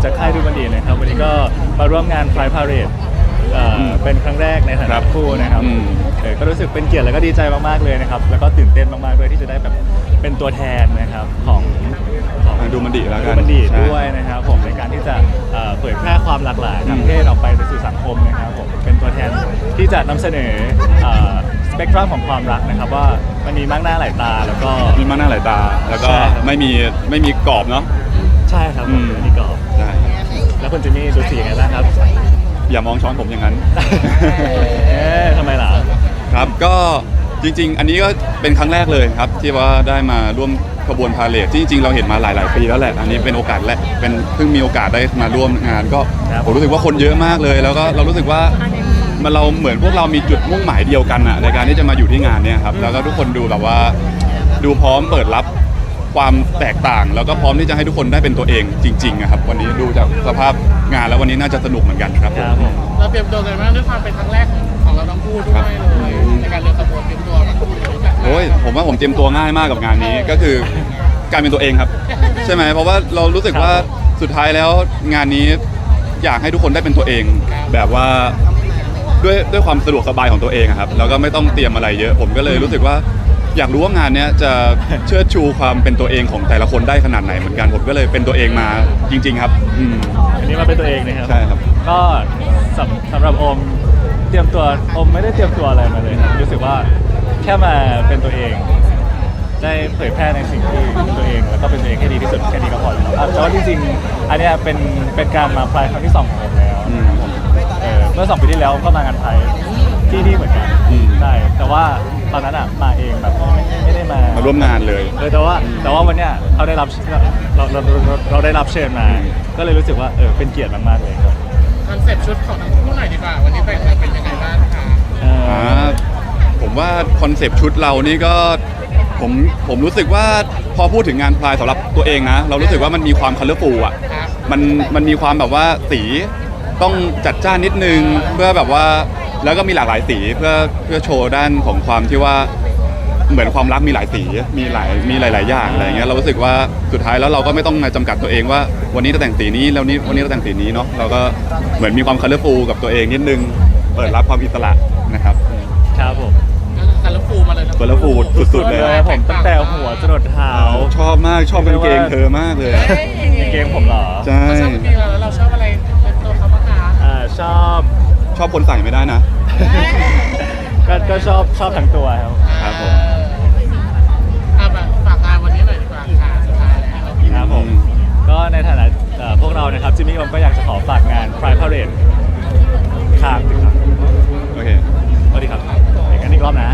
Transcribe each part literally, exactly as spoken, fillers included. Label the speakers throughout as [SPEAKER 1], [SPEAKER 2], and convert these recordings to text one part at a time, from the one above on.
[SPEAKER 1] จากค่ายดูบันดีนะครับวันนี้ก็มาร่วมงาน Pride Parade เอ่อเป็นครั้งแรกในฐานะคู่นะครับเออก็รู้สึกเป็นเกียรติและก็ดีใจมากๆเลยนะครับแล้วก็ตื่นเต้นมากๆด้วยที่จะได้แบบเป็นตัวแทนนะครับของของ
[SPEAKER 2] ดูมันดีแล้วกัน
[SPEAKER 1] ดูมันดีด้วยนะครับผมในการที่จะเอ่อเผยแพร่ความหลากหลายทางเพศออกไปสู่สังคมนะครับผมเป็นตัวแทนที่จะนำเสนอสเปกตรัมของความรักนะครับว่ามันมีมากหน้าหลายตาแล้วก็
[SPEAKER 2] มีมากหน้าหลายตาแล้วก็
[SPEAKER 1] ใช่ครับ
[SPEAKER 2] ไม่มีไม่มีกรอบเนาะ
[SPEAKER 1] ใช่ครับ
[SPEAKER 2] อืม
[SPEAKER 1] นี่ก็
[SPEAKER 2] ใช่
[SPEAKER 1] แล้วคุณจิมมี่ดูสียังไงบ้างครับ
[SPEAKER 2] อย่ามองช้อนผมอย่างนั้น
[SPEAKER 1] เอ๊ะทำไมล่ะ
[SPEAKER 2] ครับก็จริงๆ อันนี้ก็เป็นครั้งแรกเลยครับที่ว่าได้มาร่วมขบวนพาเหรดที่จริงๆเราเห็นมาหลายๆปีแล้วแหละอันนี้เป็นโอกาสแรกเป็นเพิ่งมีโอกาสได้มาร่วมงานก็
[SPEAKER 1] ครับ
[SPEAKER 2] ผมรู้สึกว่าคนเยอะมากเลย แล้วก็เรารู้สึกว่ามันเราเหมือนพวกเรามีจุดมุ่งหมายเดียวกันอะในการที่จะมาอยู่ที่งานเนี่ยครับแล้วก็ทุกคนดูแบบว่าดูพร้อมเปิดรับความแตกต่าง แล้วก็พร้อมที่จะให้ทุกคนได้เป็นตัวเองจริงๆอะครับวันนี้ดูจากสภาพงานแล้ววันนี้น่าจะสนุกเหมือนกันครับ
[SPEAKER 1] ครับผม
[SPEAKER 3] เราเตรียมตัวกันมากด้วยความเป็นครั้งแรกของเราทั้งคู่ด้วยเลยในการเดินขบวนเตรียมตัวแบบ
[SPEAKER 2] โอ้ยผมว่าผมเตรียมตัวง่ายมากกับงานนี้ก็คือการเป็นตัวเองครับ ใช่ไหมเพราะว่าเรารู้สึกว่าสุดท้ายแล้วงานนี้อยากให้ทุกคนได้เป็นตัวเอง แบบว่าด้วยด้วยความสะดวกสบายของตัวเองอะครับแล้วก็ไม่ต้องเตรียมอะไรเยอะ ผมก็เลยรู้สึกว่าอยากรู้ว่างานเนี้ยจะเชิดชูความเป็นตัวเองของแต่ละคนได้ขนาดไหนเหมือนกันผมก็เลยเป็นตัวเองมาจริง ๆ ครับอืม
[SPEAKER 1] อันนี้มาเป็นตัวเองนะครับ
[SPEAKER 2] ใช่ครับ
[SPEAKER 1] ก็สำสำหรับโอมเตรียมตัวโอมไม่ได้เตรียมตัวอะไรมาเลยครับรู้สึกว่าแค่มาเป็นตัวเอง ได้เผยแพร่ในสิ่งที่เป็นตัวเองแล้วก็เป็นตัวเองให้ดีที่สุดแค่นี้ก็พอแล้วอ่ะแต่ว่าจริงๆอันเนี้ยเป็นเป็นการมาพลายครั้งที่สองของผมแล้ว
[SPEAKER 2] อืม
[SPEAKER 1] เออเมื่อสองปีที่แล้วก็มางานไทยที่นี่เหมือนกัน
[SPEAKER 2] อืม
[SPEAKER 1] ใช่แต่ว่าตอนนั้นอ่ะมาเองแบบไม่ไม่ได้มา
[SPEAKER 2] มาร่วมงานเลย
[SPEAKER 1] เออแต่ว่าแต่ว่าวันเนี้ยเขาได้รับเราเราเราเราได้รับเชิญมา ก็เลยรู้สึกว่าเออเป็นเกียรติมากๆเลยครับ
[SPEAKER 3] คอนเซ็ปต์ชุดของทั้งคู่หน่อยดีกว่าวันนี้แต่งเป็นยังไงบ้างคะ
[SPEAKER 1] เออ
[SPEAKER 2] อ่าผมว่าคอนเซปต์ชุดเรานี่ก็ผมผมรู้สึกว่าพอพูดถึงงานพลายสำหรับตัวเองนะ เรารู้สึกว่ามันมีความคัลเลอร์ฟูลอ่ะ
[SPEAKER 3] ครับ
[SPEAKER 2] มันมันมีความแบบว่าสีต้องจัดจ้านนิดนึงเพื่อแบบว่าแล้วก็มีหลากหลายสีเพื่อเพื่อโชว์ด้านของความที่ว่าเหมือนความรักมีหลายสีมีหลายมีหลาย ๆ อย่างอะไรเงี้ยเรารู้สึกว่าสุดท้ายแล้วเราก็ไม่ต้องมาจำกัดตัวเองว่าวันนี้เราแต่งสีนี้แล้วนี้วันนี้เราแต่งสีนี้เนาะเราก็เหมือนมีความคัลเลอร์ฟูลกับตัวเองนิดนึงเปิดรับความอิสระนะครับ
[SPEAKER 1] ครับผม
[SPEAKER 3] คาร์ลฟูมาเลยนะ
[SPEAKER 2] คัลเลอร์ฟูลสุด ๆ เลย
[SPEAKER 1] เลยผมตั้งแต่หัวจรดเท้า
[SPEAKER 2] ชอบมากชอบกางเกงเธอมากเลย
[SPEAKER 1] กางเกงผมเหรอ
[SPEAKER 2] ใช่
[SPEAKER 3] เราชอบเพลงเราแล้วเราชอบอะไรเป็นตัวเขาบ้างคะ
[SPEAKER 1] อ่าชอบ
[SPEAKER 2] ชอบคนใส่ไม่ได้นะ
[SPEAKER 1] ก็ก็ชอบชอบทั้งตัวครับ
[SPEAKER 2] ครับผม
[SPEAKER 3] อ่าแบบฝากงานวันนี้หน่อยดีกว่าค่ะสุดท้ายแล้ว
[SPEAKER 1] ครับผมก็ในฐานะเอ่อพวกเรานะครับจิมมี่โอมก็อยากจะขอฝากงาน Pride Parade ข้ามสิครับ
[SPEAKER 2] โอเค
[SPEAKER 1] สวัสดีครับอีกอันอีกรอบนะ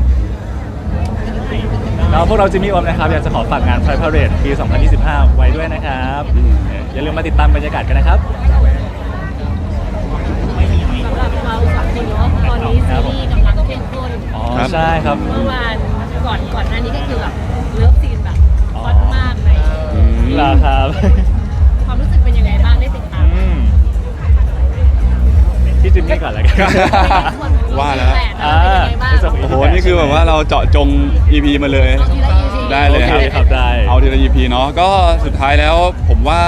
[SPEAKER 1] แล้วพวกเราจิมมี่โอมนะครับอยากจะขอฝากงาน Pride Parade ปี สองพันยี่สิบห้า ไว้ด้วยนะครับ
[SPEAKER 2] อืม
[SPEAKER 1] เอ่ออย่าลืมมาติดตามบรรยากาศกันนะครับ
[SPEAKER 4] สำหรับเราสองคนเนาะตอนนี้ซีรีส์กำลังเข้มข้น
[SPEAKER 1] อ๋อใช่ครับ
[SPEAKER 4] เมื่อวานก่อนก่อนหน้านี้ก็คือแบบเลิฟซีนแบบฮอตมากเลย
[SPEAKER 2] อืม
[SPEAKER 1] ลาครับ
[SPEAKER 4] ความรู้สึกเป็นยังไงบ้างได้ติดตาม
[SPEAKER 1] อืมพี่จิมมี่ก่อนแล้วกัน
[SPEAKER 2] ว่าแล้ว
[SPEAKER 4] อ่าเป็นยังไงบ้าง
[SPEAKER 2] โอ้โห นี่คือแบบว่าเราเจาะจง อี พี มาเลย
[SPEAKER 4] เอาทีละ อี พี
[SPEAKER 2] ได้เลยครับ
[SPEAKER 1] โอเคครับได้
[SPEAKER 2] เอาทีละ อี พี เนาะ ก็สุดท้ายแล้วผมว่า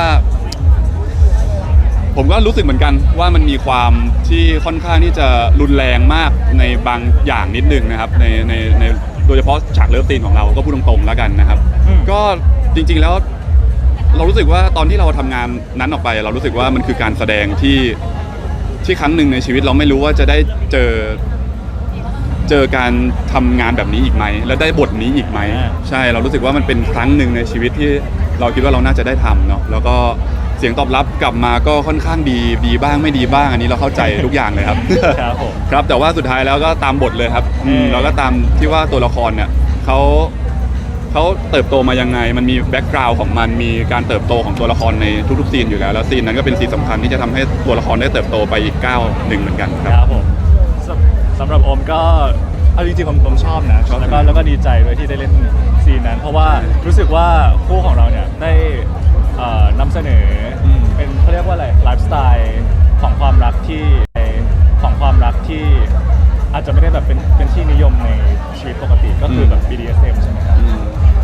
[SPEAKER 2] ผมก็รู้สึกเหมือนกันว่ามันมีความที่ค่อนข้างที่จะรุนแรงมากในบางอย่างนิดนึงนะครับ ในในในโดยเฉพาะฉากเลิฟซีนของเราก็พูดตรงๆแล้วกันนะครับ
[SPEAKER 1] อืม
[SPEAKER 2] ก็จริงๆแล้ว เรารู้สึกว่าตอนที่เราทำงานนั้นออกไป เรารู้สึกว่ามันคือการแสดงที่ที่ครั้งหนึ่งในชีวิตเราไม่รู้ว่าจะได้เจอเจอการทำงานแบบนี้อีกไหมและได้บทนี้อีกไหม
[SPEAKER 1] อ่า
[SPEAKER 2] ใช่เรารู้สึกว่ามันเป็นครั้งหนึ่งในชีวิตที่เราคิดว่าเราน่าจะได้ทำเนาะแล้วก็เสียงตอบรับกลับมาก็ค่อนข้างดีดีบ้างไม่ดีบ้างอันนี้เราเข้าใจทุกอย่างเลยครับ
[SPEAKER 1] ครับผม
[SPEAKER 2] ครับแต่ว่าสุดท้ายแล้วก็ตามบทเลยครับอืม
[SPEAKER 1] เออ
[SPEAKER 2] แล้วก็ตามที่ว่าตัวละครเนี่ยเขาเขาเติบโตมายังไง มันมีแบ็กกราวด์ของมันมีการเติบโตของตัวละครในทุกๆซีนอยู่แล้วแล้วซีนนั้นก็เป็นซีนสำคัญที่จะทำให้ตัวละครได้เติบโตไปอีกก้าวหนึ่งเหมือนกันค
[SPEAKER 1] ครับ รับผมสำสำหรับโอมก็เอาจริงๆผมผมชอบนะ
[SPEAKER 2] ชอบ
[SPEAKER 1] แล้วก็แล้วก็ดีใจด้วยที่ได้เล่นซีนนั้น เพราะว่ารู้สึกว่าคู่ของเราเนี่ยได้เอ่อนำเสนออ
[SPEAKER 2] ม
[SPEAKER 1] เป็นเขาเรียกว่าอะไรไลฟ์สไตล์ของความรักที่ของความรักที่อาจจะไม่ได้แบบเป็นเป็นที่นิยมในชีวิตปกติก็คือแบบ บี ดี เอส เอ็ม ใช่ไหมครับ
[SPEAKER 2] อืม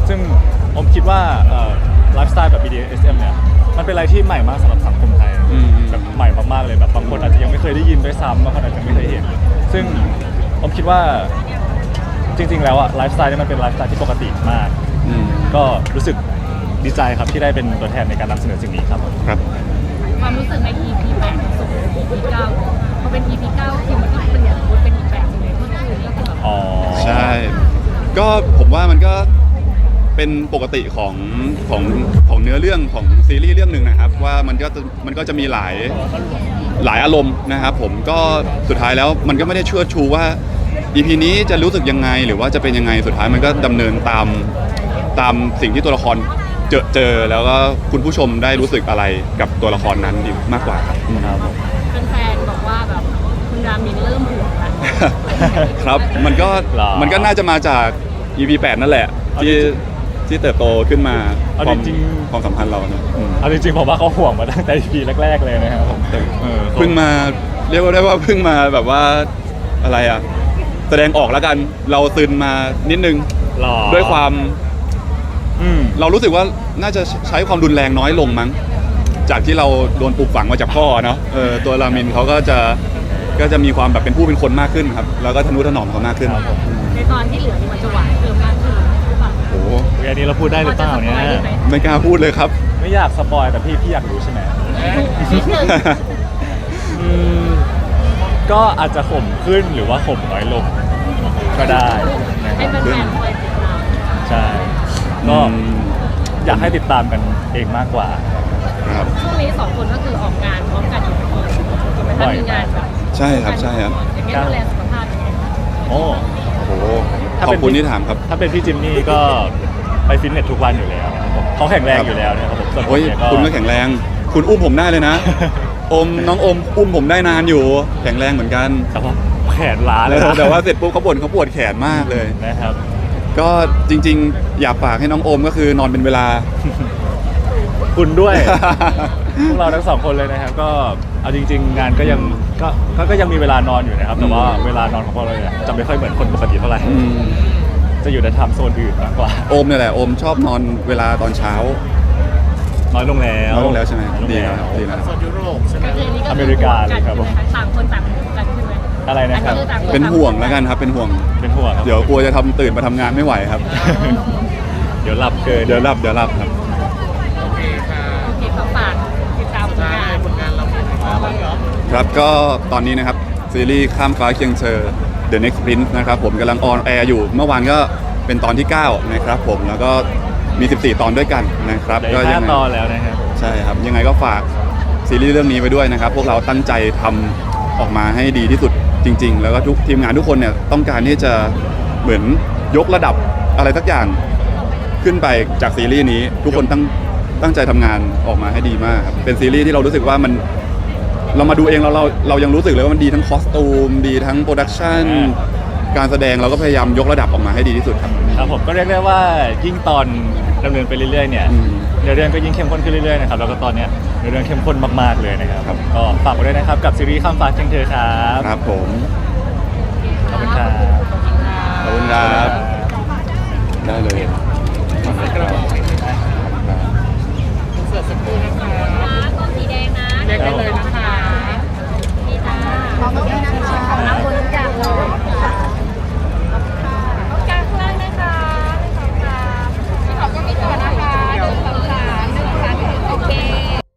[SPEAKER 1] ซึ่งผมคิดว่าไลฟ์สไตล์แบบ บี ดี เอส เอ็ม เนี่ยมันเป็นอะไรที่ใหม่มากสำหรับสังคมไทย
[SPEAKER 2] อืม
[SPEAKER 1] แบบใหม่มากๆเลยแบบบางคนอาจจะยังไม่เคยได้ยินด้วยซ้ำบางคนอาจจะไม่เคยเห็น ซึ่งผมคิดว่าจริงๆแล้วอะไลฟ์สไตล์นี่มันเป็นไลฟ์สไตล์ที่ปกติมาก
[SPEAKER 2] อืม
[SPEAKER 1] ก็รู้สึกดีใจครับที่ได้เป็นตัวแทนในการนำเสนอสิ่งนี้ครับ
[SPEAKER 2] ครับ
[SPEAKER 4] ความรู้สึกใน อี พี แปดส่ง อี พี เก้าพอเป็น อี พี เก้าคือมันก็เปลี่ยนมูดเป็นอีกแบบหนึงเลยเมื่อคืนก็คือแบบ
[SPEAKER 1] อ๋อ
[SPEAKER 2] ใช่ ก็ผมว่ามันก็เป็นปกติของของของเนื้อเรื่องของซีรีส์เรื่องหนึ่งนะครับ ว่ามันก็จะมันก็จะมีหลายหลายอารมณ์นะครับ ผมก็สุดท้ายแล้วมันก็ไม่ได้เชื่อชูว่า อี พี นี้จะรู้สึกยังไงหรือว่าจะเป็นยังไงสุดท้ายมันก็ดำเนินตามตามสิ่งที่ตัวละครเจอเจอแล้วก็คุณผู้ชมได้รู้สึกอะไรกับตัวละครนั้นดีมากกว่าครับ
[SPEAKER 1] ครับผม
[SPEAKER 4] แฟนๆบอกว่าแบบคุณรามินเริ่มห่วงแล้ว
[SPEAKER 2] ครับมันก็
[SPEAKER 1] หรอ
[SPEAKER 2] มันก็น่าจะมาจาก อี พี แปดนั่นแหละ
[SPEAKER 1] เอา
[SPEAKER 2] ที่
[SPEAKER 1] จริง
[SPEAKER 2] ที่เติบโตขึ้นมา
[SPEAKER 1] เอา
[SPEAKER 2] ความ
[SPEAKER 1] จริงๆ
[SPEAKER 2] ความสัมพันธ์เราเนอะอืม
[SPEAKER 1] เอาจริงๆผมว่าเขาห่วงมาตั้งแต่ อี พี แรกๆเลยนะครับผมเออ
[SPEAKER 2] เพิ่งมาเรียกว่าได้ว่าเพิ่งมาแบบว่าอะไรอ่ะ แสดงออกแล้วกันเราซึนมานิดนึง
[SPEAKER 1] หล่อ
[SPEAKER 2] ด้วยความ
[SPEAKER 1] อืม
[SPEAKER 2] เรารู้สึกว่าน่าจะใช้ความรุนแรงน้อยลงมั้ง จากที่เราโดนปลูกฝังมาจากพ่อเนาะเออตัวรามินเขาก็จะก็จะมีความแบบเป็นผู้เป็นคนมากขึ้นครับ แล้วก็ทนุถนอมเขามากขึ้น
[SPEAKER 1] ครับผม
[SPEAKER 2] อืม
[SPEAKER 4] ในตอนที่เหลือนี่มันจะหวานเพิ่มมากขึ้นหรือเปล่า
[SPEAKER 2] โอ้โห
[SPEAKER 1] เรื่องนี้เราพูดได้หรือเปล่าเนี่ย
[SPEAKER 4] พอจะสปอยได้ไหม
[SPEAKER 2] ไม่กล้าพูดเลยครับ
[SPEAKER 1] ไม่อยากสปอยแต่พี่พี่อยากรู้ใช่ไหม
[SPEAKER 4] นิดนึง
[SPEAKER 1] อืมก็อาจจะข่มขึ้นหรือว่าข่มน้อยลงก็ได้นะค
[SPEAKER 4] ให้
[SPEAKER 1] รับ
[SPEAKER 4] แฟนๆคอยติดตาม
[SPEAKER 1] ใช่ก็
[SPEAKER 2] อืม
[SPEAKER 1] อยากให้ติดตามกันเองมากกว่า
[SPEAKER 2] ครับ
[SPEAKER 4] ช่วงนี้สองคนก็คือออกงานพร้อมกันอยู่ทุกคนถูกไหม
[SPEAKER 1] บ่
[SPEAKER 4] คะ
[SPEAKER 1] อย
[SPEAKER 4] มีงานแบบ
[SPEAKER 2] ใช่ครับใช่ครับ
[SPEAKER 4] อย่างเงี้ยดูแลสุขภาพยังไง
[SPEAKER 1] โอ้
[SPEAKER 2] โอ้โห
[SPEAKER 1] ถ้า
[SPEAKER 2] ขอ
[SPEAKER 1] เป็
[SPEAKER 2] บ
[SPEAKER 1] น
[SPEAKER 2] คุณที่ถามครับ
[SPEAKER 1] ถ้าเป็นพี่จิมมี่ก็ไปฟิตเนสทุกวันอยู่แล้วนะครับผมเขาแข็งแรงอยู่แล้วนะครับผมส่วนผม
[SPEAKER 2] โอ้ย
[SPEAKER 1] เนี่ยก็
[SPEAKER 2] คุณก็แข็งแรง คุณอุ้มผมได้เลยนะ อมน้องอมอุ้มผมได้นานอยู่ แข็งแรงเหมือนกัน
[SPEAKER 1] แต่ว่าแขนล้าเลยนะ
[SPEAKER 2] แต่ว่าเสร็จปุ๊บเขาบ่นเขาปวดแขนมากเลย
[SPEAKER 1] นะครับ
[SPEAKER 2] ก็จริงๆ อยากฝากให้น้องโอมก็คือนอนเป็นเวลา
[SPEAKER 1] คุณด้วย พวกเราทั้งสองคนเลยนะครับ ก็เอาจริง ๆ งานก็ยังก็ก็ก็ยังมีเวลานอนอยู่นะครับ แต่ว่าเวลานอนของพวกเราเนี่ยจะไม่ค่อยเหมือนคนปกติเท่าไหร่
[SPEAKER 2] อืม
[SPEAKER 1] จะอยู่ในไทม์โซนอื่นมากกว่า
[SPEAKER 2] โอมเนี่ยแหละโอมชอบนอนเวลาตอนเช้า
[SPEAKER 1] น้อยลงแล้ว
[SPEAKER 2] น้อยลงแล้วใช่ไหม
[SPEAKER 1] น้อยลง
[SPEAKER 2] ดี
[SPEAKER 1] แล้ว
[SPEAKER 2] ครับดีนะ
[SPEAKER 3] โซนยุโรปใช่ไหม
[SPEAKER 4] ก็คืออันนี้ก็
[SPEAKER 1] อเมริกาเลยครับผม
[SPEAKER 4] ต่างคนต่างกันใช่ไหม
[SPEAKER 1] อะไรนะครับ
[SPEAKER 4] อัต่างค
[SPEAKER 2] เป็น
[SPEAKER 4] ต่าง
[SPEAKER 2] ห่วงแล้วกันครับเป็นห่วง
[SPEAKER 1] เป็นห่วงครับ
[SPEAKER 2] เดี๋ยวกลัวจะทำตื่นมาทำงานไม่ไหวครับ
[SPEAKER 1] เดี๋ยวหลับเกิน
[SPEAKER 2] เดี๋ยวรับเดี๋ยวรับครับ
[SPEAKER 3] โอเคค่ะ
[SPEAKER 4] โอเคขอฝากติดตามผล
[SPEAKER 3] ใช่
[SPEAKER 4] งาน
[SPEAKER 3] ผลงานเราเป็นยังไงบ้างเหรอ
[SPEAKER 2] ครับก็ตอนนี้นะครับซีรีส์ข้ามฟ้าเคียงเธอ The Next Prince นะครับผมกำลังออนแอร์อยู่ เมื่อวานก็เป็นตอนที่ เก้า นะครับผมแล้วก็มี สิบสี่ ตอนด้วยกันนะครับ
[SPEAKER 1] เหลืออีก
[SPEAKER 2] ยั
[SPEAKER 1] ห้า
[SPEAKER 2] ไง
[SPEAKER 1] ตอนแล้วนะครับ
[SPEAKER 2] ใช่ครับ ยังไงก็ฝากซีรีส์เรื่องนี้ไว้ด้วยนะครับ พวกเราตั้งใจทำออกมาให้ดีที่สุดจริง ๆ แล้วก็ทุกทีมงานทุกคนเนี่ยต้องการที่จะเหมือนยกระดับอะไรสักอย่างขึ้นไปจากซีรีส์นี้ ทุกคนตั้งตั้งใจทำงานออกมาให้ดีมากครับเป็นซีรีส์ที่เรารู้สึกว่ามันเรามาดูเองเราเราเรายังรู้สึกเลยว่ามันดีทั้งคอสตูมดีทั้งโปรดักชันการแสดงเราก็พยายามยกระดับออกมาให้ดีที่สุดครับ
[SPEAKER 1] ครับผมก็เรียกได้ว่ายิ่งตอนดำเนินไปเรื่อยๆเนี่ย
[SPEAKER 2] อืม
[SPEAKER 1] เนื้อเรื่องก็ยิ่งเข้มข้นขึ้นเรื่อยๆนะครับแล้วก็ตอนเนี้ยเนื้อเรื่องเข้มข้นมากๆเลยนะครับ
[SPEAKER 2] ครับ
[SPEAKER 1] ก็ฝากไว้ด้วยนะครับกับซีรีส์ข้ามฟ้าเคียงเธอครับ
[SPEAKER 2] ครับผม
[SPEAKER 1] ขอบคุณครับ
[SPEAKER 2] ขอบคุณครับได้เลย
[SPEAKER 3] ใส่กระบอก